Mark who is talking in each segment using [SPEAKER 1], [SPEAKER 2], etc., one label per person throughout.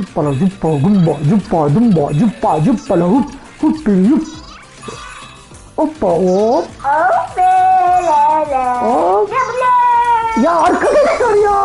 [SPEAKER 1] Cuppala cuppa gumba cuppa dumba cuppa cuppala hup hup bir yup. Hoppa hop.
[SPEAKER 2] Hop.
[SPEAKER 1] Hop. Ya arkadaşlar ya.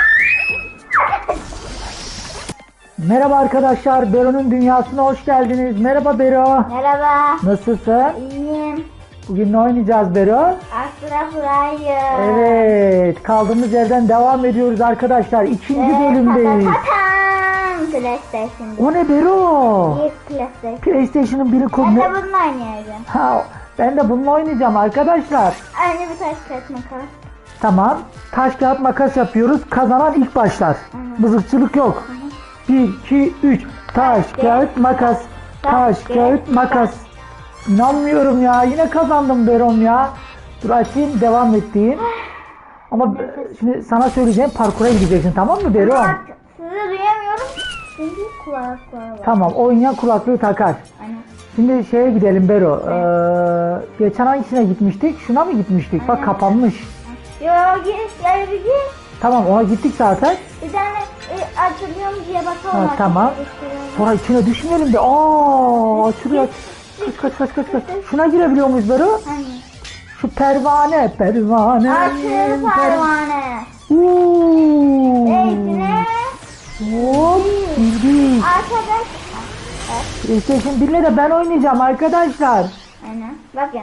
[SPEAKER 1] Merhaba arkadaşlar, Bero'nun dünyasına hoş geldiniz. Merhaba Bero.
[SPEAKER 2] Merhaba.
[SPEAKER 1] Nasılsın?
[SPEAKER 2] İyiyim.
[SPEAKER 1] Bugün ne oynayacağız Bero?
[SPEAKER 2] Astra Flyer.
[SPEAKER 1] Evet, kaldığımız yerden devam ediyoruz arkadaşlar. İkinci bölümdeyiz.
[SPEAKER 2] PlayStation.
[SPEAKER 1] O ne Bero?
[SPEAKER 2] İlk PlayStation.
[SPEAKER 1] PlayStation'ın biri
[SPEAKER 2] Ben
[SPEAKER 1] konu.
[SPEAKER 2] de bununla oynayacağım.
[SPEAKER 1] Ha, ben de bununla oynayacağım arkadaşlar.
[SPEAKER 2] Aynı bir taş kağıt makas.
[SPEAKER 1] Tamam. Taş kağıt makas yapıyoruz. Kazanan ilk başlar. Mızıkçılık yok. 1, 2, 3. Taş kağıt makas. Taş kağıt makas. İnanmıyorum ya. Yine kazandım Berom ya. Dur açayım, devam ettiğim. Ama şimdi sana söyleyeceğim, parkura gideceksin, tamam mı Berom?
[SPEAKER 2] Bak, sizi duyamıyorum. Çünkü kulaklığı var.
[SPEAKER 1] Tamam, oynayan kulaklığı takar.
[SPEAKER 2] Aynen.
[SPEAKER 1] Şimdi şeye gidelim Bero. Geçen hangisine gitmiştik? Şuna mı gitmiştik? Bak kapanmış.
[SPEAKER 2] Yo git gel bir git.
[SPEAKER 1] Tamam, ona gittik zaten.
[SPEAKER 2] Bir tane açılıyorum diye bakalım.
[SPEAKER 1] Ha, tamam. Sonra içine düşmeyelim de. Aa, açılıyor. Kaç. Şuna girebiliyor muyuz Bero?
[SPEAKER 2] Hani?
[SPEAKER 1] Şu pervane.
[SPEAKER 2] Açıl pervane.
[SPEAKER 1] Uuu.
[SPEAKER 2] Eğitine.
[SPEAKER 1] Hop. Bildik.
[SPEAKER 2] Arkadaş.
[SPEAKER 1] PlayStation 1'le de ben oynayacağım arkadaşlar.
[SPEAKER 2] Aynen. Bakın.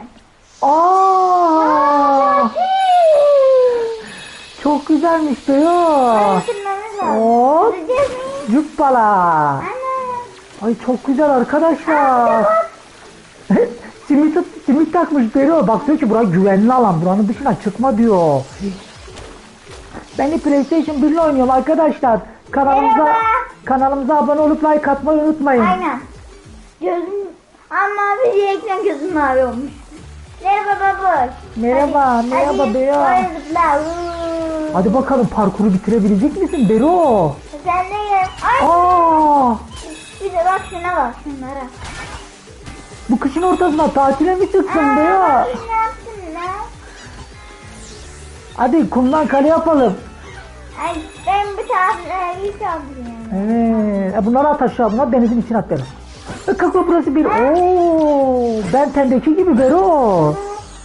[SPEAKER 1] Aa. Çok güzelmiş Bero.
[SPEAKER 2] Bitirmemiz lazım.
[SPEAKER 1] Hop.
[SPEAKER 2] Bitireceğiz mi?
[SPEAKER 1] Cuppala.
[SPEAKER 2] Ana.
[SPEAKER 1] Ay çok güzel arkadaşlar. simit takmış Bero. Bak diyor ki burası güvenli alan. Buranın dışına çıkma diyor. Ben de PlayStation 1 ile oynuyorum arkadaşlar.
[SPEAKER 2] Merhaba.
[SPEAKER 1] Kanalımıza abone olup like atmayı unutmayın.
[SPEAKER 2] Aynen. Gözüm ama bir direkten gözüm mavi olmuş. Merhaba baba.
[SPEAKER 1] Merhaba Bero.
[SPEAKER 2] Hadi.
[SPEAKER 1] Hadi bakalım, parkuru bitirebilecek misin Bero?
[SPEAKER 2] Sen de gel. Ay.
[SPEAKER 1] Aa!
[SPEAKER 2] Bir de bak şuna bak şunlara.
[SPEAKER 1] Bu kışın ortasına tatile mi çıksın Bero?
[SPEAKER 2] Ne yaptın lan?
[SPEAKER 1] Hadi kumdan kale yapalım.
[SPEAKER 2] Ay ben bir tane iyi çaldım.
[SPEAKER 1] Evet. Bunları at aşağı. Bunlar denizin içine at Bero. Kalkma, burası bir. Oo! Ben tendeki gibi Bero.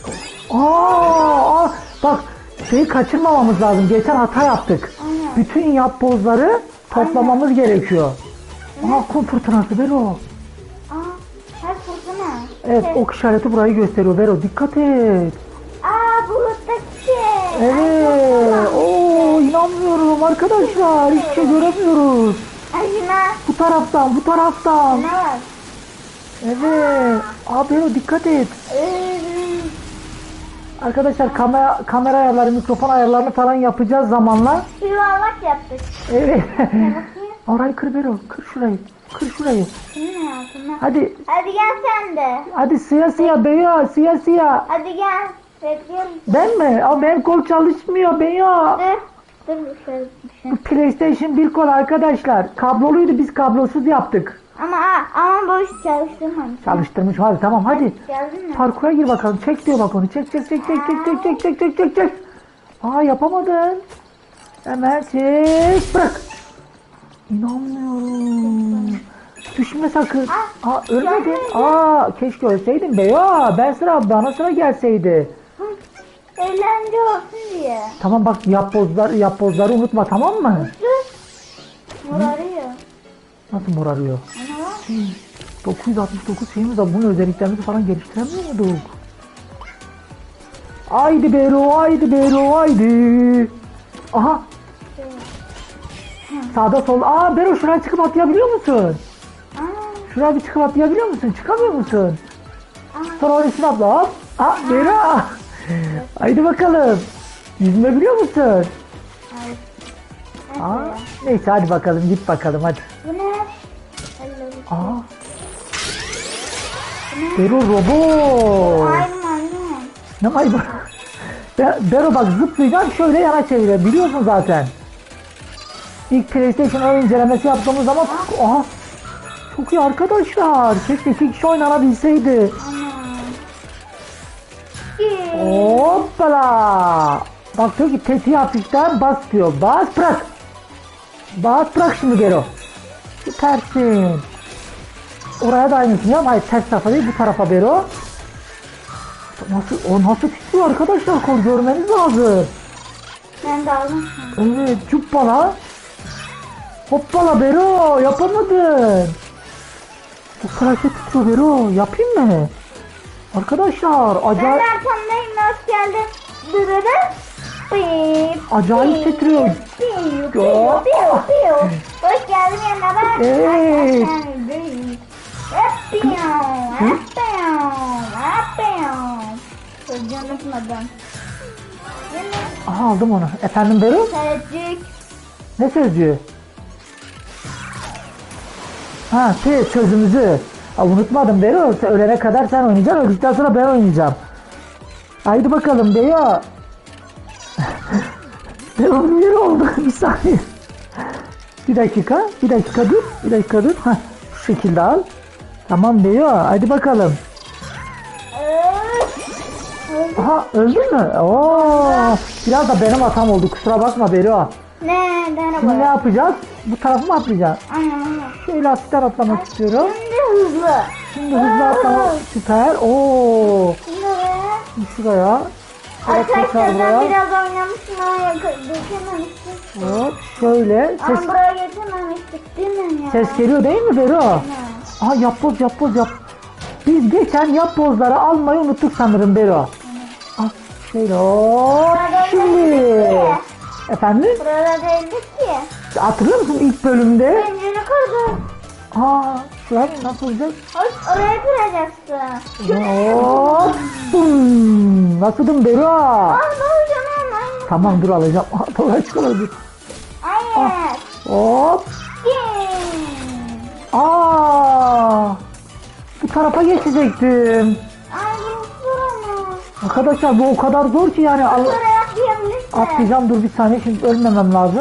[SPEAKER 1] Aa! Bak, şeyi kaçırmamamız lazım. Geçen hata yaptık.
[SPEAKER 2] Aynen.
[SPEAKER 1] Bütün yapbozları toplamamız gerekiyor. Aa, kum fırtınası Bero.
[SPEAKER 2] Her fırtına.
[SPEAKER 1] Evet, ok işareti burayı gösteriyor Bero. Dikkat et.
[SPEAKER 2] Buluttaki şey.
[SPEAKER 1] Evet. Oo, inanmıyorum arkadaşlar. Hiçbir şey göremiyoruz.
[SPEAKER 2] Ay şuna.
[SPEAKER 1] Bu taraftan.
[SPEAKER 2] Ne var?
[SPEAKER 1] Evet. Bero dikkat et. Arkadaşlar kamera ayarları, mikrofon ayarlarını falan yapacağız zamanla.
[SPEAKER 2] Yuvarlak yaptık.
[SPEAKER 1] Evet.
[SPEAKER 2] Bakayım.
[SPEAKER 1] Orayı kır Bero. Kır şurayı.
[SPEAKER 2] Şunun altına.
[SPEAKER 1] Hadi.
[SPEAKER 2] Hadi gel sen de.
[SPEAKER 1] Hadi siyah beyaz. Siyah.
[SPEAKER 2] Hadi gel. Bekliyorum.
[SPEAKER 1] Ben mi? Benim kol çalışmıyor beyaz.
[SPEAKER 2] Dur şöyle düşün.
[SPEAKER 1] PlayStation 1 kol arkadaşlar. Kabloluydu, biz kablosuz yaptık.
[SPEAKER 2] Ama boş çalıştırmamış.
[SPEAKER 1] Çalıştırmış, hadi tamam hadi.
[SPEAKER 2] Geldin mi?
[SPEAKER 1] Parkura gir bakalım. Çek diyor bak onu. Çek. Yapamadın. Hemen çek. Bırak. İnanmıyorum. Düşme sakın. Ölmedin. Keşke ölseydin be ya. Bana sıra gelseydi.
[SPEAKER 2] Eğlence olsun diye.
[SPEAKER 1] Tamam bak, yapbozları unutma, tamam mı?
[SPEAKER 2] Dur. Morarıyor.
[SPEAKER 1] Nasıl morarıyor?
[SPEAKER 2] Ana bak.
[SPEAKER 1] 969 şeyimiz var. Bunun özelliklerini falan geliştiremiyor muyduk? Haydi Bero, haydi. Aha. Sağda sol. Bero, şuraya çıkıp atlayabiliyor musun? Şuraya bir çıkıp atlayabiliyor musun? Çıkamıyor musun? Sonra oraya üstüne atla. Hop. Bero. Haydi bakalım. Yüzme biliyor musun? Neyse hadi bakalım, git bakalım hadi.
[SPEAKER 2] Bu ne?
[SPEAKER 1] Bero robot.
[SPEAKER 2] Maymun.
[SPEAKER 1] Ne maymun? Bero bak, zıplayacağım, şöyle yana çeviriyor. Biliyorsun zaten. İlk PlayStation ön incelemesi yaptığımız zaman çok iyi arkadaşlar. Keşke 2 kişi oynanabilseydi. Hoppala. Bak diyor ki tetiği hafiften bas diyor. Bas bırak. Bas bırak şimdi Bero. Süpersin. Oraya da aynısını yap. Hayır ters tarafa değil bu tarafa Bero. Nasıl titriyor arkadaşlar, kol görmeniz lazım.
[SPEAKER 2] Ben de aldım.
[SPEAKER 1] Evet cuppala. Hoppala Bero, yapamadın. Bu kadar şey titriyor Bero, yapayım mı? Arkadaşlar
[SPEAKER 2] Ben
[SPEAKER 1] acayip,
[SPEAKER 2] de arkamdayım. Hoş geldin. Dırırı. Bip.
[SPEAKER 1] acayip titriyor.
[SPEAKER 2] Piu, piu, piu, piu. Hoş geldin yanına bak.
[SPEAKER 1] Evet.
[SPEAKER 2] Sözcüğünü unutmadım.
[SPEAKER 1] Aha aldım onu. Efendim Bero?
[SPEAKER 2] Sözcük.
[SPEAKER 1] Ne sözcüğü? Ha sözümüzü. Unutmadım Bero. Ölene kadar sen oynayacaksın. Öldükten sonra ben oynayacağım. Haydi bakalım Bero. Bero'nun yeri oldu. Bir saniye. Bir dakika dur. Bir dakika dur. Hah, şu şekilde al. Tamam Bero. Haydi bakalım. Aha öldün mü? Oo, biraz da benim hatam oldu. Kusura bakma Bero.
[SPEAKER 2] Ne?
[SPEAKER 1] Şimdi ne yapacağız? Bu tarafı mı atlayacağız?
[SPEAKER 2] Aynen.
[SPEAKER 1] Şöyle hafiften atlamak istiyorum.
[SPEAKER 2] Şimdi hızlı.
[SPEAKER 1] Şimdi hızlı atlamak. Süper. Oo.
[SPEAKER 2] Şimdi oraya.
[SPEAKER 1] Şuraya. Şöyle tekrar
[SPEAKER 2] Arkadaşlar
[SPEAKER 1] buraya.
[SPEAKER 2] ben biraz oynamıştım ama geçememiştik.
[SPEAKER 1] Hop. Şöyle. Ses,
[SPEAKER 2] Ama buraya geçememiştik değil mi ya?
[SPEAKER 1] ses geliyor değil mi Bero?
[SPEAKER 2] Ha.
[SPEAKER 1] Aha yap boz. Biz geçen yap pozları almayı unuttuk sanırım Bero. Ah, şöyle hop. Şimdi. Efendim?
[SPEAKER 2] Burada değildik ki.
[SPEAKER 1] Hatırlıyor musun ilk bölümde?
[SPEAKER 2] Zinciri kırdım.
[SPEAKER 1] Şuraya nasıl olacak?
[SPEAKER 2] Oraya kıracaksın.
[SPEAKER 1] Hop. Bum. Nasıldım Bero?
[SPEAKER 2] Ah ne olacak lan?
[SPEAKER 1] Tamam dur alacağım. Kolay çıkardı.
[SPEAKER 2] Hayır.
[SPEAKER 1] Hop.
[SPEAKER 2] Gin.
[SPEAKER 1] Bu tarafa geçecektim.
[SPEAKER 2] Ay bu zor ama.
[SPEAKER 1] Arkadaşlar bu o kadar zor ki yani.
[SPEAKER 2] Oraya atlayabilirsin.
[SPEAKER 1] Atlayacağım, dur bir saniye, şimdi ölmemem lazım.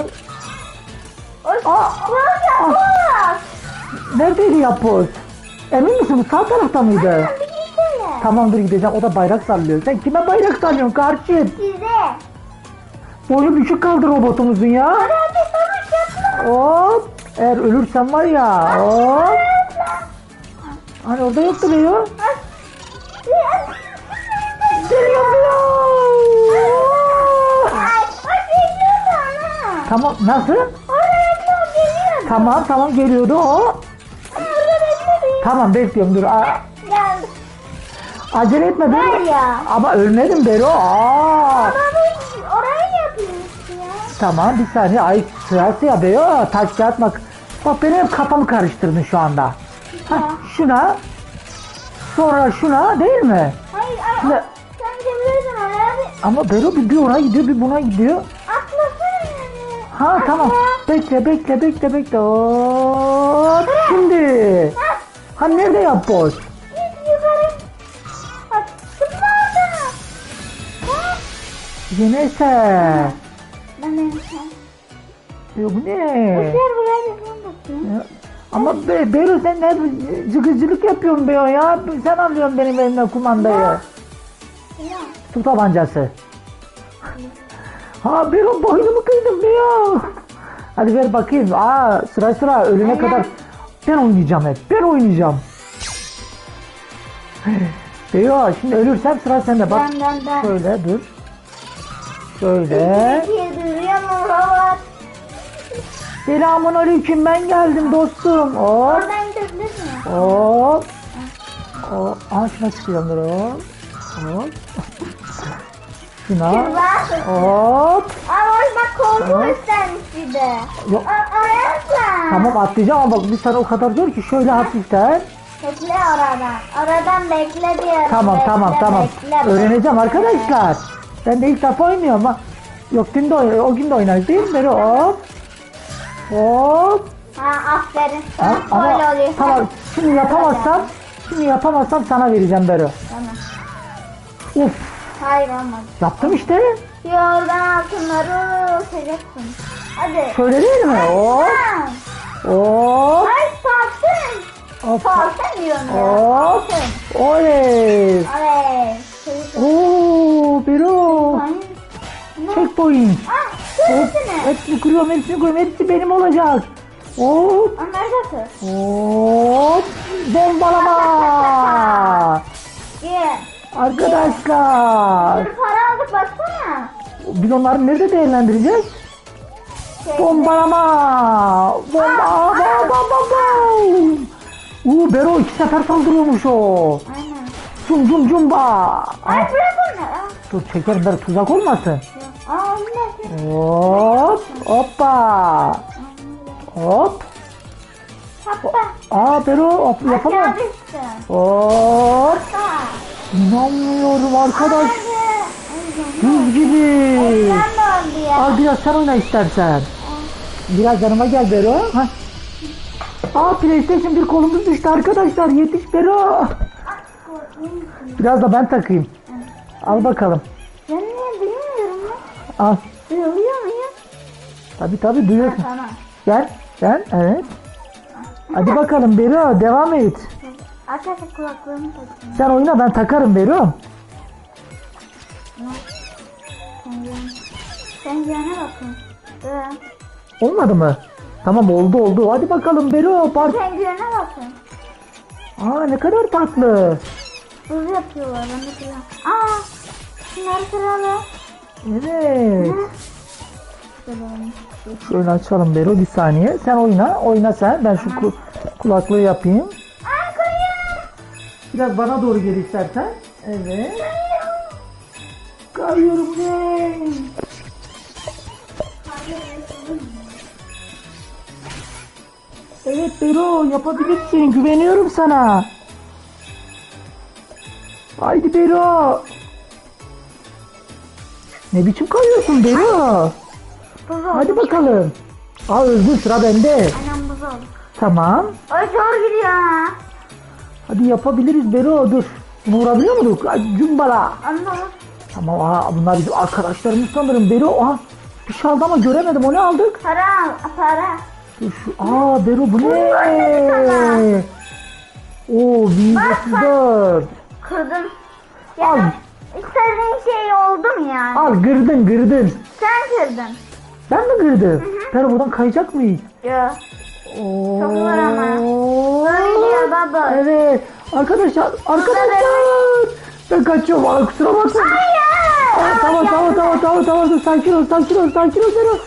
[SPEAKER 2] Bak.
[SPEAKER 1] Neredeydi yapboz? Emin misin bu sağ tarafta mıydı?
[SPEAKER 2] Bir gitsene.
[SPEAKER 1] Tamam dur gideceğim, o da bayrak sallıyor. Sen kime bayrak sallıyorsun kardeşim?
[SPEAKER 2] Size.
[SPEAKER 1] Boyu düşük kaldı robotumuzun ya.
[SPEAKER 2] Hadi savaş yapma.
[SPEAKER 1] Hop. Eğer ölürsem var ya. Hop. Hani orada yoktu be ya. Geliyorum ya. Tamam nasıl? Tamam geliyordu o. Tamam bekliyorum dur. Acele etme değil mi?
[SPEAKER 2] ya.
[SPEAKER 1] Ama ölmedim Bero.
[SPEAKER 2] Orayı yapayım ya.
[SPEAKER 1] Tamam bir saniye. Ay sırası ya Bero. Taş kağıt bak benim hep kafamı karıştırdın şu anda. Şuna. Sonra şuna değil mi?
[SPEAKER 2] Hayır
[SPEAKER 1] Şimdi,
[SPEAKER 2] sen gidebilirsin oraya.
[SPEAKER 1] ama Bero bir ona gidiyor bir buna gidiyor.
[SPEAKER 2] Atlasana.
[SPEAKER 1] Tamam. Bekle. Hop. Şimdi. Nerede yapboz?
[SPEAKER 2] Git yukarı. Bak zıpla orada.
[SPEAKER 1] Yine eser.
[SPEAKER 2] Ben de
[SPEAKER 1] Bu ne?
[SPEAKER 2] buraya bir
[SPEAKER 1] Ama Bero sen ne cıgıcılık yapıyorsun Bero ya. Sen alıyorsun benim elimden kumandayı. Su tabancası. Bero boynumu kıydım Bero. Hadi ver bakayım. Sıra ölene kadar ben oynayacağım hep. Ben oynayacağım. Bero şimdi ölürsem sıra sende. Bak
[SPEAKER 2] Ben.
[SPEAKER 1] şöyle dur. Şöyle.
[SPEAKER 2] Duruyor mu robot?
[SPEAKER 1] Selamun aleyküm, ben geldim dostum. Hop.
[SPEAKER 2] Oradan gidebilirsin.
[SPEAKER 1] Hop. Şuna çıkıyorum dur hop. Hop. Şuna. Hop.
[SPEAKER 2] Bak koltuğu istermiş bir de.
[SPEAKER 1] Yok.
[SPEAKER 2] Oraya atla.
[SPEAKER 1] Tamam atlayacağım ama bak bir tane o kadar zor ki şöyle hafiften.
[SPEAKER 2] Bekle oradan. Oradan bekle diyorum.
[SPEAKER 1] Tamam.
[SPEAKER 2] Bekle.
[SPEAKER 1] Öğreneceğim arkadaşlar. Ben de ilk defa oynuyorum ama. Yok dün de o gün de oynarız değil mi? Böyle hop. Hop.
[SPEAKER 2] Aferin.
[SPEAKER 1] Ama
[SPEAKER 2] Böyle oluyor.
[SPEAKER 1] tamam şimdi yapamazsam sana vereceğim Bero.
[SPEAKER 2] Tamam.
[SPEAKER 1] Uf,
[SPEAKER 2] Hayır olmadı.
[SPEAKER 1] yaptım işte.
[SPEAKER 2] Oradan altınları uçacaksın. Hadi.
[SPEAKER 1] Şöyle değil mi? Hop. Hop.
[SPEAKER 2] Ay salsın.
[SPEAKER 1] Hop.
[SPEAKER 2] Salsın diyorum ya.
[SPEAKER 1] Hop.
[SPEAKER 2] Salsın.
[SPEAKER 1] Oley.
[SPEAKER 2] Evet.
[SPEAKER 1] Oo, Bero. Checkpoint.
[SPEAKER 2] Şöylesene.
[SPEAKER 1] Hepsini kuruyorum. Hepsi benim olacak. Hop.
[SPEAKER 2] Onları da kır.
[SPEAKER 1] Hop. Bombalama.
[SPEAKER 2] Gel.
[SPEAKER 1] Arkadaşlar.
[SPEAKER 2] Bir para aldık baksana.
[SPEAKER 1] Biz onları nerede değerlendireceğiz? Bombalama. Bomba. Bero 2 sefer saldırıyormuş o.
[SPEAKER 2] Aynen.
[SPEAKER 1] Cum cum cumba.
[SPEAKER 2] Ay bırak onları.
[SPEAKER 1] Dur çekerim Bero, tuzak olmasın.
[SPEAKER 2] Onlar.
[SPEAKER 1] Hop. Hoppa. Hop.
[SPEAKER 2] Hatta.
[SPEAKER 1] Bero hop, yapamam.
[SPEAKER 2] Aşağı düştü.
[SPEAKER 1] Hop.
[SPEAKER 2] Hatta.
[SPEAKER 1] İnanmıyorum arkadaş.
[SPEAKER 2] Ben
[SPEAKER 1] Buz gibi.
[SPEAKER 2] de oldu ya.
[SPEAKER 1] Al biraz sen oyna istersen. Biraz yanıma gel Bero. Hah. PlayStation 1 kolumuz düştü arkadaşlar. Yetiş Bero. Biraz da ben takayım. Al bakalım.
[SPEAKER 2] Ben niye bilmiyorum lan.
[SPEAKER 1] Al.
[SPEAKER 2] Duyuluyor muyum?
[SPEAKER 1] Tabii duyuyorsun.
[SPEAKER 2] Tamam.
[SPEAKER 1] Gel. Evet. Hadi bakalım Bero, devam et.
[SPEAKER 2] Arkadaşlar kulaklığımı takayım.
[SPEAKER 1] Sen oyna, ben takarım Bero.
[SPEAKER 2] Sen yana bakın.
[SPEAKER 1] Olmadı mı? Tamam, oldu. Hadi bakalım Bero.
[SPEAKER 2] Sen yana bakın.
[SPEAKER 1] Ne kadar tatlı.
[SPEAKER 2] Buz yapıyorlar. Ben de kırıyorum. Şunları kıralım.
[SPEAKER 1] Evet. Şöyle açalım Bero, bir saniye. Sen oyna sen. Ben şu kulaklığı yapayım. Biraz bana doğru gel istersen. Evet. Kayıyorum ne? Evet Bero, yapabilirsin. Güveniyorum sana. Haydi Bero. Ne biçim kayıyorsun Bero?
[SPEAKER 2] Buz oldu.
[SPEAKER 1] Hadi bakalım. Özgür, sıra bende.
[SPEAKER 2] Annem buz oldu.
[SPEAKER 1] Tamam.
[SPEAKER 2] Ay zor gidiyor ha.
[SPEAKER 1] Hadi yapabiliriz Bero, dur. Bunu vurabiliyor muyduk? Cumbala.
[SPEAKER 2] Anladım.
[SPEAKER 1] Tamam, bunlar bizim arkadaşlarımız sanırım Bero. Bir şey aldı ama göremedim, o ne aldık?
[SPEAKER 2] Para al. Para.
[SPEAKER 1] Dur şu, Bero bu ne? Oo, 134.
[SPEAKER 2] Kırdım.
[SPEAKER 1] Al.
[SPEAKER 2] İstediğin şey oldu mu yani?
[SPEAKER 1] Al, gırdın.
[SPEAKER 2] Sen kırdın.
[SPEAKER 1] Ben mi kırdım? Bero, buradan kayacak mıyız?
[SPEAKER 2] Yok.
[SPEAKER 1] Oo.
[SPEAKER 2] Çok zor ama. Öyle baba.
[SPEAKER 1] Evet. Arkadaşlar. Ben kaçıyorum. Kusura bakma.
[SPEAKER 2] Hayır.
[SPEAKER 1] Tamam. Dur, sakin ol Bero.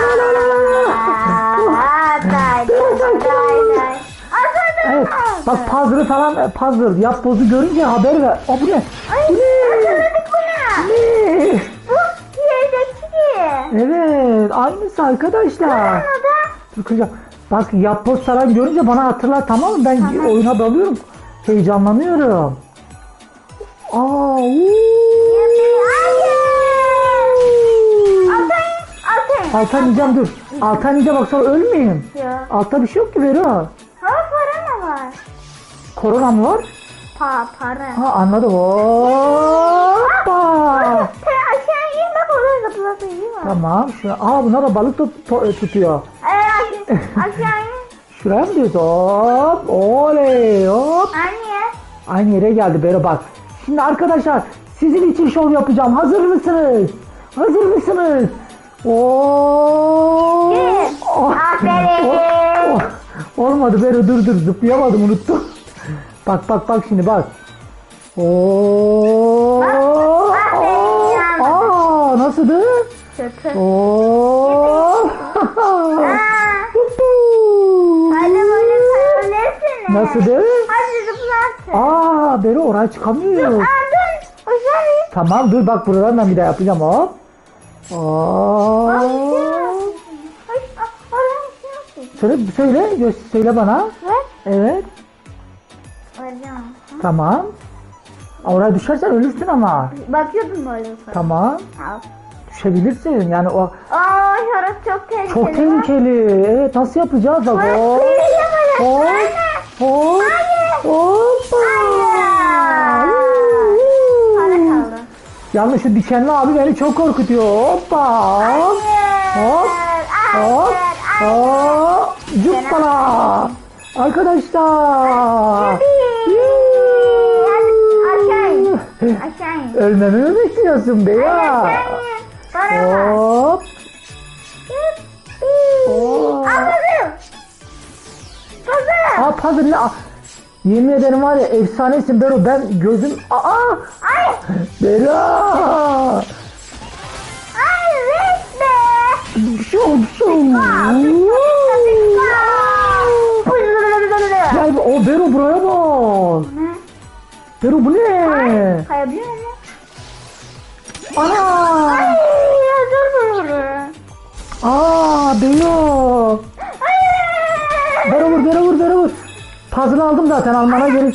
[SPEAKER 1] Evet. Bak puzzle. Yap bozu görünce haber ver. Bu ne? Bu ne? Ne? Evet. Aynısı arkadaşlar. Dur kıracağım. Bak, yapboz falan görünce bana hatırlar, tamam mı? Ben oyuna dalıyorum. Heyecanlanıyorum. Altan yiyeceğim, dur. Altan yiyeceğim, bak sonra ölmeyeyim. Altta bir şey yok ki Bero.
[SPEAKER 2] Para mı var?
[SPEAKER 1] Korona mı var?
[SPEAKER 2] Para.
[SPEAKER 1] Anladım. Hoppa.
[SPEAKER 2] Sen aşağı in bak, orada zıplatıyor.
[SPEAKER 1] Tamam. Bunlar da balık tutuyor.
[SPEAKER 2] Aşağı in.
[SPEAKER 1] Şuraya mı diyorsun? Hop. Oley. Hop.
[SPEAKER 2] Anne.
[SPEAKER 1] Aynı yere geldi Bero, bak. Şimdi arkadaşlar, sizin için şov yapacağım. Hazır mısınız? Oo.
[SPEAKER 2] Aferin.
[SPEAKER 1] Olmadı Bero, dur zıplayamadım, unuttum. Bak şimdi bak. Oo. Nasıldı?
[SPEAKER 2] Kötü.
[SPEAKER 1] Oo.
[SPEAKER 2] Hadi böyle söylersene.
[SPEAKER 1] Nasıldı?
[SPEAKER 2] Hadi zıplarsın.
[SPEAKER 1] Bero, oraya çıkamıyor.
[SPEAKER 2] Dur. Uzanayım.
[SPEAKER 1] Tamam, dur bak, buradan ben bir daha yapacağım, hop. Söyle bana. Evet. Tamam. Oraya düşersen ölürsün ama.
[SPEAKER 2] Bakıyordum böyle.
[SPEAKER 1] Tamam.
[SPEAKER 2] Al.
[SPEAKER 1] Düşebilirsin yani o.
[SPEAKER 2] Şurası çok tehlikeli.
[SPEAKER 1] Çok tehlikeli. Evet, nasıl yapacağız bak? Hop.
[SPEAKER 2] Para kaldı.
[SPEAKER 1] Yalnız şu dikenli abi beni çok korkutuyor. Hoppa. Hop. Cuppala. Arkadaşlar.
[SPEAKER 2] Aşağı in.
[SPEAKER 1] Ölmemi mi bekliyorsun be ya?
[SPEAKER 2] Para var.
[SPEAKER 1] Hop.
[SPEAKER 2] Anladım.
[SPEAKER 1] Ya puzzle ne? Yemin ederim var ya efsanesin Bero, ben gözüm... Aa!
[SPEAKER 2] Ay.
[SPEAKER 1] Bero!
[SPEAKER 2] Ay resme.
[SPEAKER 1] Ya o Bero buraya bak. Bero bu ne?
[SPEAKER 2] Kayabiliyor mu?
[SPEAKER 1] Ana!
[SPEAKER 2] Ay ya dur.
[SPEAKER 1] Bero! Bero vur. Puzzle aldım zaten, almana gerek.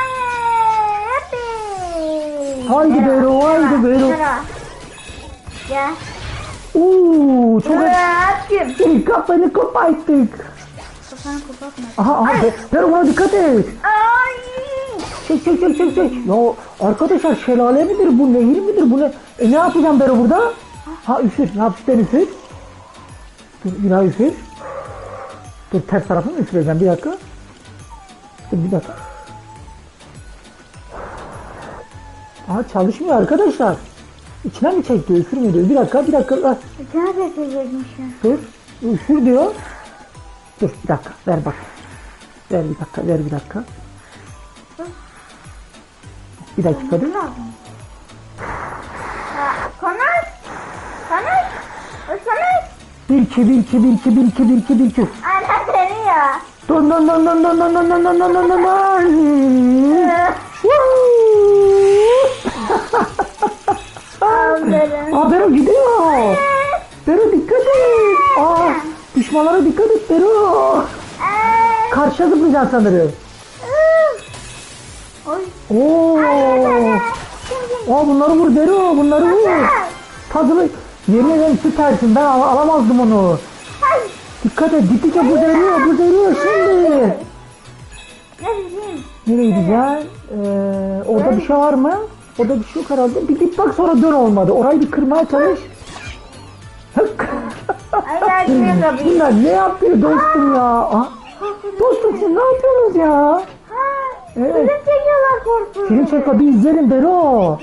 [SPEAKER 1] Haydi Bero.
[SPEAKER 2] Ya.
[SPEAKER 1] Çok
[SPEAKER 2] Bırakayım.
[SPEAKER 1] kafayı koparttık.
[SPEAKER 2] Kafanı kapatma.
[SPEAKER 1] Aha Bero buna dikkat et.
[SPEAKER 2] Ay.
[SPEAKER 1] Çek. Ya arkadaşlar şelale midir bu, nehir midir bu ne? Ne yapacağım Bero burada? Üfür. Hapisten üfür. Dur bir daha üfür. Dur ters tarafını üfüreceğim, bir dakika. Bir dakika. Çalışmıyor arkadaşlar. İçine mi çekti? Üfürmüyor diyor. Bir dakika.
[SPEAKER 2] İçine çekecekmişim.
[SPEAKER 1] Dur. Üfür diyor. Dur bir dakika. Ver bak. Ver bir dakika. Bir dakika dur.
[SPEAKER 2] Konuş.
[SPEAKER 1] 1 2
[SPEAKER 2] Aynen seni ya.
[SPEAKER 1] Don.
[SPEAKER 2] Aferin.
[SPEAKER 1] Bero gidiyor. Bero dikkat et. Düşmanlara dikkat et Bero. Karşıya zıplayacaksın sanırım. Bunları vur Bero, bunları vur. Puzzle'ı yerine ben süpersin, ben alamazdım onu. Dikkat et, gittikçe buz eriyor şimdi. Nereye gideceğim? Orada bir şey var mı? Orada bir şey yok herhalde. Bir git bak, sonra dön, olmadı. Orayı bir kırmaya çalış. Bunlar ne yapıyor dostum ya? Dostum siz ne yapıyorsunuz ya? Evet.
[SPEAKER 2] Film çekiyorlar korkuyorum.
[SPEAKER 1] Film çekiyor, bir izleyelim Bero.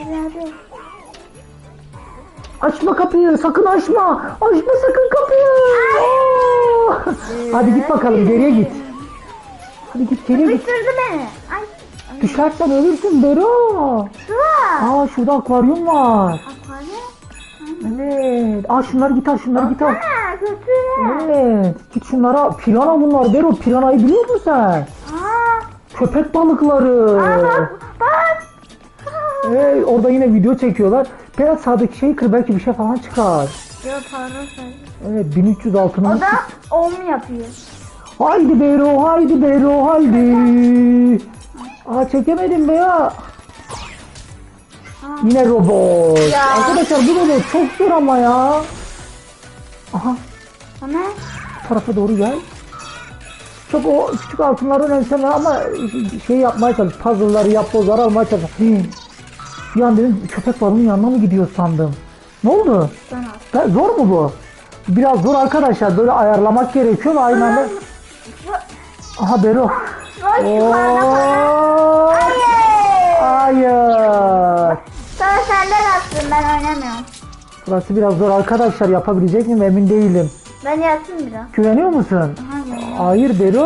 [SPEAKER 1] Açma kapıyı, sakın açma. Açma sakın kapıyı. Hadi git bakalım, geriye git. Hadi git, geriye git.
[SPEAKER 2] Sıkıştırdı beni. Ay.
[SPEAKER 1] Düşersen ölürsün Bero.
[SPEAKER 2] Şurada.
[SPEAKER 1] Şurada akvaryum var.
[SPEAKER 2] Akvaryum.
[SPEAKER 1] Evet. Şunları git al.
[SPEAKER 2] Kötü.
[SPEAKER 1] Evet. Git şunlara. Pirana bunlar Bero. Piranayı biliyor musun sen? Köpek balıkları.
[SPEAKER 2] Bak.
[SPEAKER 1] Evet, orada yine video çekiyorlar. Biraz sağdaki şeyi kır, belki bir şey falan çıkar.
[SPEAKER 2] Yok pardon.
[SPEAKER 1] Evet, 1300 altınımız.
[SPEAKER 2] O da om yapıyor.
[SPEAKER 1] Haydi Bero, haydi. Çekemedim be ya. Yine robot.
[SPEAKER 2] Ya.
[SPEAKER 1] Arkadaşlar bu robot çok zor ama ya.
[SPEAKER 2] Ana.
[SPEAKER 1] Bu tarafa doğru gel. Çok o küçük altınları önemseme ama şey yapmaya çalış. Puzzle'ları yap, bozları almaya çalış. Bir an dedim köpek balığının yanına mı gidiyor sandım. Ne oldu? Zor mu bu? Biraz zor arkadaşlar. Böyle ayarlamak gerekiyor ve aynı anda. Bero. Hayır.
[SPEAKER 2] Sonra senden attım, ben oynamıyorum.
[SPEAKER 1] Burası biraz zor arkadaşlar. Yapabilecek miyim emin değilim.
[SPEAKER 2] Ben yatsın biraz.
[SPEAKER 1] Güveniyor musun? Hayır Bero.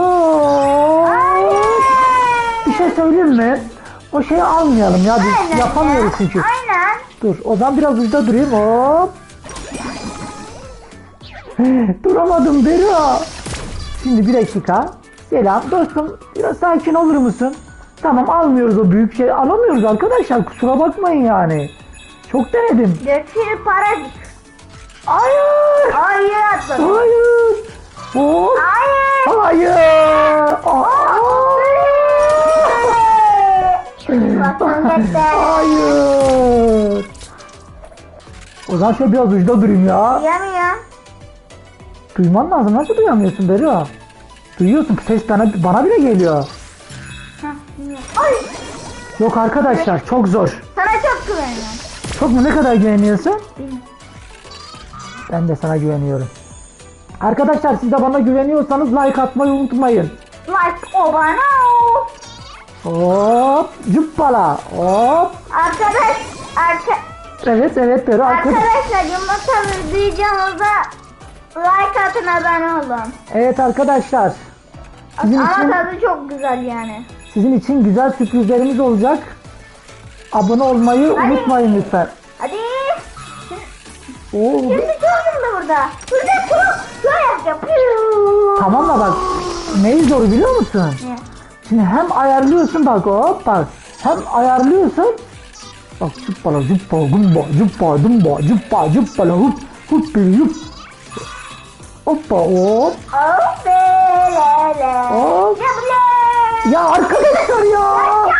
[SPEAKER 1] Bir şey söyleyeyim mi? O şeyi almayalım ya, biz
[SPEAKER 2] Aynen
[SPEAKER 1] yapamıyoruz
[SPEAKER 2] ya.
[SPEAKER 1] çünkü.
[SPEAKER 2] Aynen.
[SPEAKER 1] Dur, o zaman biraz ucuda durayım. Hop. Duramadım Bero. Şimdi bir dakika. Selam dostum, biraz sakin olur musun? Tamam, almıyoruz o büyük şey. Alamıyoruz arkadaşlar, kusura bakmayın yani. Çok denedim.
[SPEAKER 2] Götür para.
[SPEAKER 1] Hayır.
[SPEAKER 2] Hayır atladım.
[SPEAKER 1] Hayır. Hop.
[SPEAKER 2] Hayır.
[SPEAKER 1] Hayır. Hayır. O zaman şöyle biraz ucuda durayım ya.
[SPEAKER 2] Duyamıyorum.
[SPEAKER 1] Duyman lazım. Nasıl duyamıyorsun Bero? Duyuyorsun. Ses bana bile geliyor.
[SPEAKER 2] Ay.
[SPEAKER 1] Yok arkadaşlar, çok zor.
[SPEAKER 2] Sana çok güveniyorum.
[SPEAKER 1] Çok mu? Ne kadar güveniyorsun? Ben de sana güveniyorum. Arkadaşlar siz de bana güveniyorsanız like atmayı unutmayın.
[SPEAKER 2] Like o bana o.
[SPEAKER 1] Hop. Cuppala. Hop. Evet Bero.
[SPEAKER 2] Arkadaşlar yumurta videomuza like atın, abone olun.
[SPEAKER 1] Evet arkadaşlar. Sizin
[SPEAKER 2] Ama
[SPEAKER 1] için,
[SPEAKER 2] tadı çok güzel yani.
[SPEAKER 1] sizin için güzel sürprizlerimiz olacak. Abone olmayı unutmayın lütfen.
[SPEAKER 2] Hadi.
[SPEAKER 1] Oo,
[SPEAKER 2] Şimdi gördüm de burada. Burada çok yapacağım.
[SPEAKER 1] tamam da bak neyi zor biliyor musun?
[SPEAKER 2] Ne?
[SPEAKER 1] Şimdi hem ayarlıyorsun bak hop bak. Hem ayarlıyorsun. Bak zıppala zıppa gumba zıppa dumba zıppa zıppala hup hup bir yup. Hoppa hop.
[SPEAKER 2] Oh belele.
[SPEAKER 1] Hop.
[SPEAKER 2] Yable.
[SPEAKER 1] Ya arkadaşlar ya.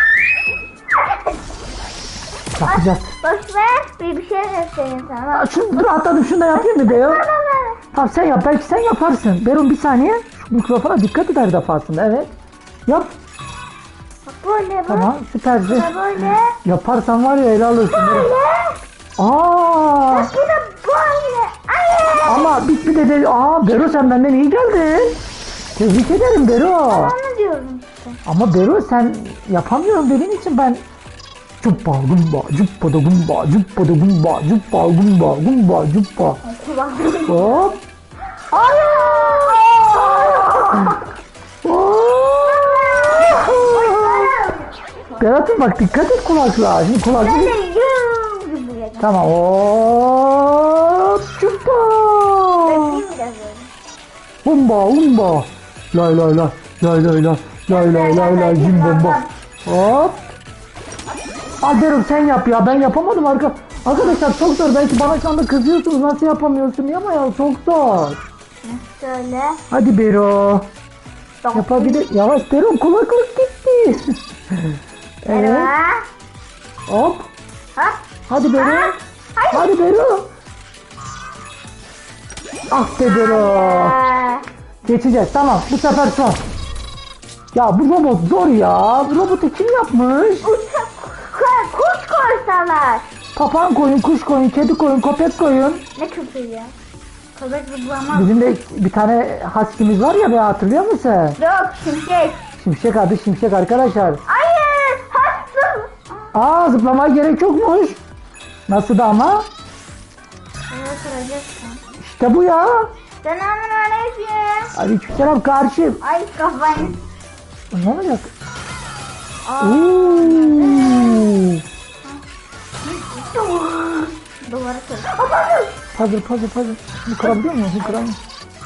[SPEAKER 1] Yapacağız.
[SPEAKER 2] Boş ver. Bir şey göstereyim sana.
[SPEAKER 1] Ya şunu dur atladım şunu da yapayım mı Bero? Tamam sen yap belki sen yaparsın. Beron bir saniye. Şu mikrofona dikkat et her defasında evet. Yap.
[SPEAKER 2] Bak böyle bak.
[SPEAKER 1] Tamam süpersin.
[SPEAKER 2] Böyle.
[SPEAKER 1] Yaparsan var ya ele alırsın.
[SPEAKER 2] Böyle.
[SPEAKER 1] Aa.
[SPEAKER 2] Bak bu da böyle. Ay.
[SPEAKER 1] Ama bir de aa Bero sen benden iyi geldin. Tebrik ederim Bero.
[SPEAKER 2] Onu diyorum işte.
[SPEAKER 1] Ama Bero sen yapamıyorum dediğin için ben cuppa gumba cuppa da gumba cuppa da gumba cuppa gumba gumba cuppa. Hop. Berat'ım bak dikkat et kulaklığa. Şimdi kulaklığı... Tamam. Hop. Cuppa. Humba humba. Lay lay lay. Lay lay lay. Lay lay lay lay. Cim bomba. Hop. Alberum sen yap ya. Ben yapamadım arkadaşlar çok zor. Belki bana şu anda kızıyorsunuz. Nasıl yapamıyorsun diye ama ya çok zor.
[SPEAKER 2] Şöyle.
[SPEAKER 1] Hadi Bero. Yapabilir. Yavaş Bero kulaklık gitti. Evet. Hop.
[SPEAKER 2] Ha?
[SPEAKER 1] Hadi Bero. Hadi Bero. Ah be Bero. Geçeceğiz tamam bu sefer son. Ya bu robot zor ya. Bu robotu kim yapmış?
[SPEAKER 2] Kuş koysalar.
[SPEAKER 1] Papağan koyun, kuş koyun, kedi koyun, köpek koyun.
[SPEAKER 2] Ne köpeği ya? Köpek zıplamaz.
[SPEAKER 1] Bizim de bir tane husky'miz var ya be hatırlıyor musun?
[SPEAKER 2] Yok şimşek.
[SPEAKER 1] Şimşek adı şimşek arkadaşlar.
[SPEAKER 2] Hayır. Hastım.
[SPEAKER 1] Aa zıplamaya gerek yokmuş. Nasıl da ama?
[SPEAKER 2] Evet kıracaksın.
[SPEAKER 1] İşte bu ya.
[SPEAKER 2] Selamünaleyküm.
[SPEAKER 1] Aleykümselam karşım.
[SPEAKER 2] Ay kafayı.
[SPEAKER 1] Ne olacak?
[SPEAKER 2] Aa.
[SPEAKER 1] Oo.
[SPEAKER 2] Duvarı kır.
[SPEAKER 1] Puzzle. Bunu kırabiliyor muyum? Bunu kıramıyorum.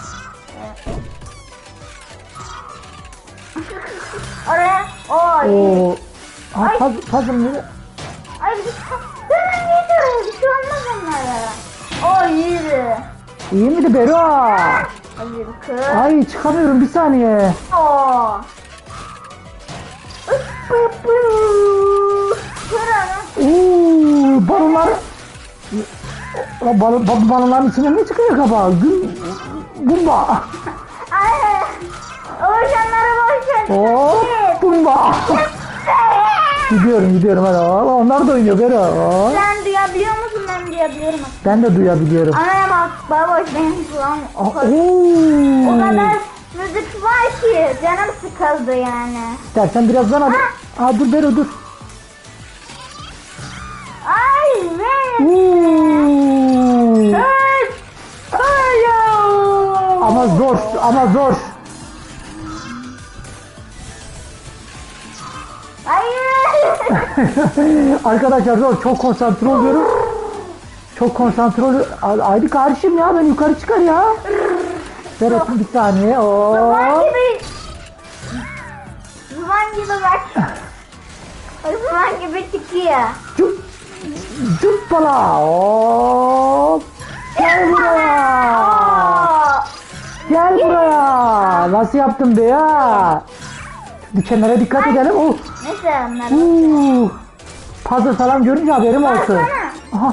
[SPEAKER 2] Oraya. Oy.
[SPEAKER 1] Oo. Aa, puzzle mı?
[SPEAKER 2] Ay bir hemen gidiyor. Bir şey olmaz onlara. O yürü.
[SPEAKER 1] İyi miydi Bero?
[SPEAKER 2] Hayır kız.
[SPEAKER 1] Ay çıkamıyorum bir saniye.
[SPEAKER 2] Oo. Kırana.
[SPEAKER 1] Oo, balonlar. Balonların içine ne çıkıyor kabağı? Bumba.
[SPEAKER 2] Ay. Oğuzhanları boş ver.
[SPEAKER 1] Hop bumba. Gidiyorum hadi. Onlar da oynuyor Bero.
[SPEAKER 2] Sen duyabiliyor musun? Ben duyabiliyorum.
[SPEAKER 1] Ben de duyabiliyorum.
[SPEAKER 2] Anaya bak. Baboş benim kulağım. O kadar müzik var ki canım sıkıldı yani.
[SPEAKER 1] İstersen birazdan hadi. Aa dur Bero dur.
[SPEAKER 2] Ay be.
[SPEAKER 1] Oo. Ama zor.
[SPEAKER 2] Hayır.
[SPEAKER 1] Arkadaşlar zor. Çok konsantre oluyorum. Haydi karşım ya ben yukarı çıkar ya. Berat'ım bir saniye.
[SPEAKER 2] Zuban gibi. Zuban gibi bak. Zuban gibi çıkıyor.
[SPEAKER 1] Cuppala. Hop. Gel buraya.
[SPEAKER 2] Oo.
[SPEAKER 1] Gel buraya. Nasıl yaptın be ya? Dikenlere dikkat edelim.
[SPEAKER 2] Neyse onlar.
[SPEAKER 1] Puzzle falan görünce haberim olsun.
[SPEAKER 2] Baksana.
[SPEAKER 1] Aha.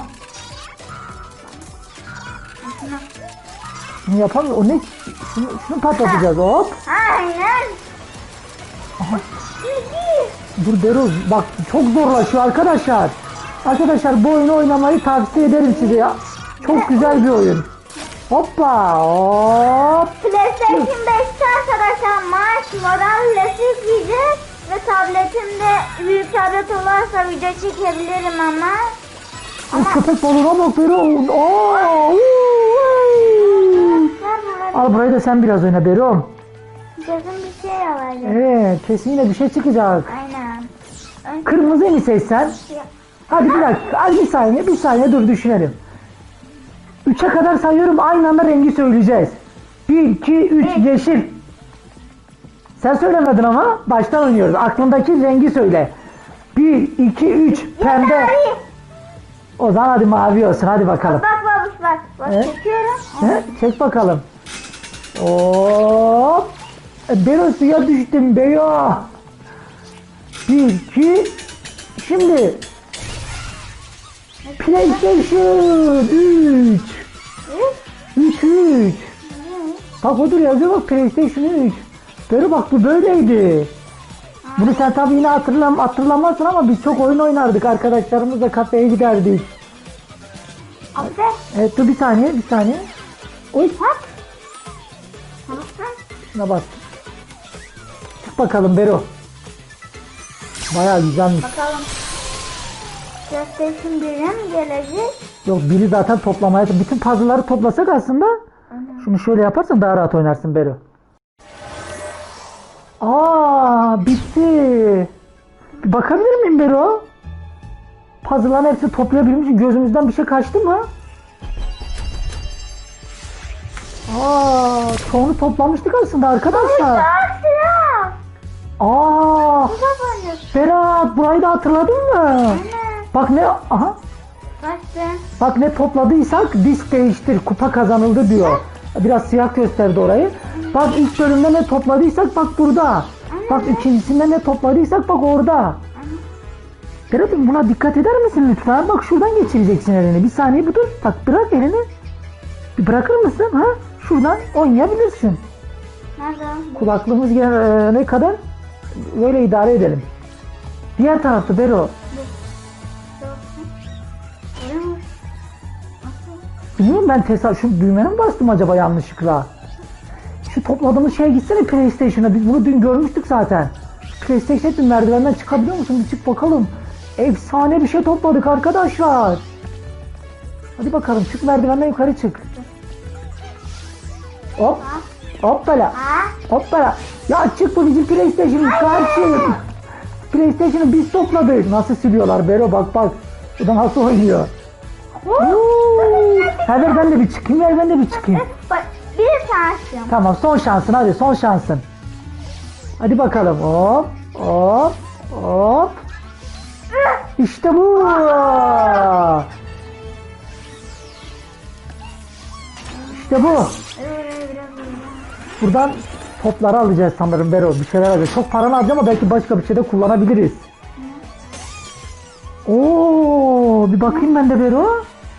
[SPEAKER 1] Bunu yapalım. O ne? Şunu patlatacağız hop.
[SPEAKER 2] Aynen.
[SPEAKER 1] Aha. Dur Beruz bak çok zorlaşıyor arkadaşlar. Arkadaşlar bu oyunu oynamayı tavsiye ederim size ya. Çok güzel bir oyun. Hoppa hop.
[SPEAKER 2] PlayStation 5'te arkadaşlar Marş model yükleyeceğiz. Ve tabletimde büyük tablet olursa video çekebilirim ama.
[SPEAKER 1] Köpek balığına bak Beruz. Al burayı da sen biraz oyna Berum.
[SPEAKER 2] kesin bir şey olacak.
[SPEAKER 1] Evet, kesin yine bir şey çıkacak.
[SPEAKER 2] Aynen.
[SPEAKER 1] Kırmızıyı mı seçsen? Hadi bir dakika, hadi bir saniye dur düşünelim. 3'e kadar sayıyorum, aynı anda rengi söyleyeceğiz. 1, 2, 3, yeşil. Sen söylemedin ama baştan oynuyoruz. Aklındaki rengi söyle. 1, 2, 3, pembe.
[SPEAKER 2] Mavi.
[SPEAKER 1] O zaman hadi mavi olsun, hadi bakalım.
[SPEAKER 2] Bak babuş bak. Bak
[SPEAKER 1] Evet.
[SPEAKER 2] çekiyorum.
[SPEAKER 1] He, çek bakalım. Hop. Bero suya düştüm Bero. 1, 2, şimdi. PlayStation 3. 3. Bak odur yazıyor bak PlayStation 3. Bero bak bu böyleydi. Bunu sen tabii yine hatırlamazsın ama biz çok oyun oynardık. Arkadaşlarımızla kafeye giderdik.
[SPEAKER 2] Abi.
[SPEAKER 1] Evet dur bir saniye. Oy.
[SPEAKER 2] Bak. Tamam.
[SPEAKER 1] Şuna bak. Çık bakalım Bero. Bayağı güzelmiş.
[SPEAKER 2] Bakalım. PlayStation 1'e mi gelecek?
[SPEAKER 1] Yok biri zaten toplamaya. Bütün puzzle'ları toplasak aslında. Şunu şöyle yaparsan daha rahat oynarsın Bero. Aa bitti. Bir bakabilir miyim Bero? Puzzle'ların hepsini toplayabilmişim. Gözümüzden bir şey kaçtı mı? Aa çoğunu toplamıştık aslında arkadaşlar.
[SPEAKER 2] Silah.
[SPEAKER 1] Aa
[SPEAKER 2] Bu da böyle.
[SPEAKER 1] Berat burayı da hatırladın mı?
[SPEAKER 2] Anne.
[SPEAKER 1] Bak ne aha.
[SPEAKER 2] Kaçtı.
[SPEAKER 1] Bak ne topladıysak disk değiştir, kupa kazanıldı diyor. Biraz siyah gösterdi orayı. Bak ilk bölümde ne topladıysak bak burada. Bak ikincisinde ne topladıysak bak orada. Berat'ım buna dikkat eder misin lütfen? Bak şuradan geçireceksin elini. Bir saniye bir dur. Bak bırak elini. Bir bırakır mısın? Ha? Şuradan oynayabilirsin.
[SPEAKER 2] Nerede?
[SPEAKER 1] Kulaklığımız ne kadar böyle idare edelim. Diğer tarafta Bero. Bilmiyorum ben şu düğmene mi bastım acaba yanlışlıkla? Şu topladığımız şeye gitsene PlayStation'a. Biz bunu dün görmüştük zaten. PlayStation'a dün merdivenden çıkabiliyor musun? Bir çık bakalım. Efsane bir şey topladık arkadaşlar. Hadi bakalım çık merdivenden yukarı çık. Hop. Hoppala. Hoppala. Ya çık bu bizim PlayStation'ın karşı. PlayStation'ı biz topladık. Nasıl siliyorlar Bero bak bak. Bu da nasıl oynuyor. Ver ben de bir çıkayım.
[SPEAKER 2] Bak bir şansım.
[SPEAKER 1] Tamam son şansın hadi son şansın. Hadi bakalım hop hop hop. İşte bu. İşte bu. Buradan topları alacağız sanırım Bero. Bir şeyler alacağız. Çok paranı harcama ama belki başka bir şeyde kullanabiliriz. Oo, bir bakayım ben de Bero.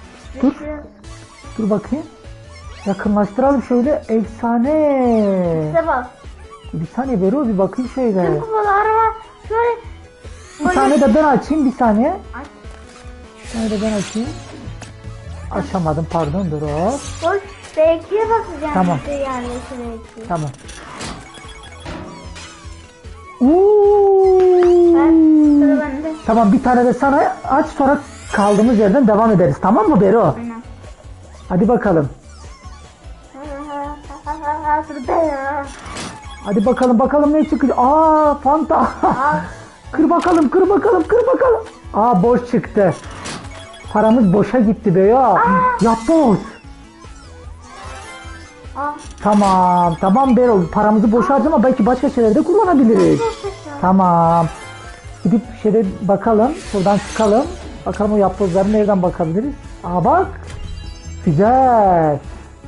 [SPEAKER 1] Dur bakayım. Yakınlaştıralım şöyle. Efsane.
[SPEAKER 2] İşte bak.
[SPEAKER 1] Bir saniye Bero bir bakayım şöyle.
[SPEAKER 2] Kupalar var. Şöyle.
[SPEAKER 1] Bir tane de ben açayım bir saniye.
[SPEAKER 2] Aç.
[SPEAKER 1] Bir tane de ben açayım. Açamadım pardon dur hop.
[SPEAKER 2] Hoş. Belki'ye bakacağım.
[SPEAKER 1] Tamam.
[SPEAKER 2] Belki.
[SPEAKER 1] Tamam.
[SPEAKER 2] Sıra bende.
[SPEAKER 1] Tamam bir tane de sana aç sonra kaldığımız yerden devam ederiz tamam mı Bero?
[SPEAKER 2] Aynen.
[SPEAKER 1] Hadi bakalım. Hadi bakalım ne çıkacak. Aa Fanta. Kır bakalım. Aa boş çıktı. Paramız boşa gitti be ya. Yapboz. Tamam Bero paramızı boşa harcama belki başka şeylerde kullanabiliriz. Tamam. Gidip şeyde bakalım. Şuradan çıkalım. Bakalım o yapbozları nereden bakabiliriz. Aa bak. Güzel.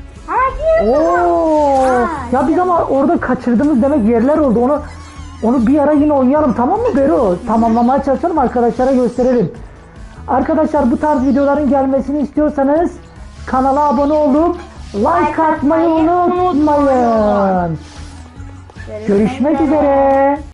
[SPEAKER 1] Oo. Ya biz ama orada kaçırdığımız demek yerler oldu. Onu bir ara yine oynayalım tamam mı Bero? Tamamlamaya çalışalım arkadaşlara gösterelim. Arkadaşlar bu tarz videoların gelmesini istiyorsanız kanala abone olup like atmayı unutmayın. Görüşmek üzere.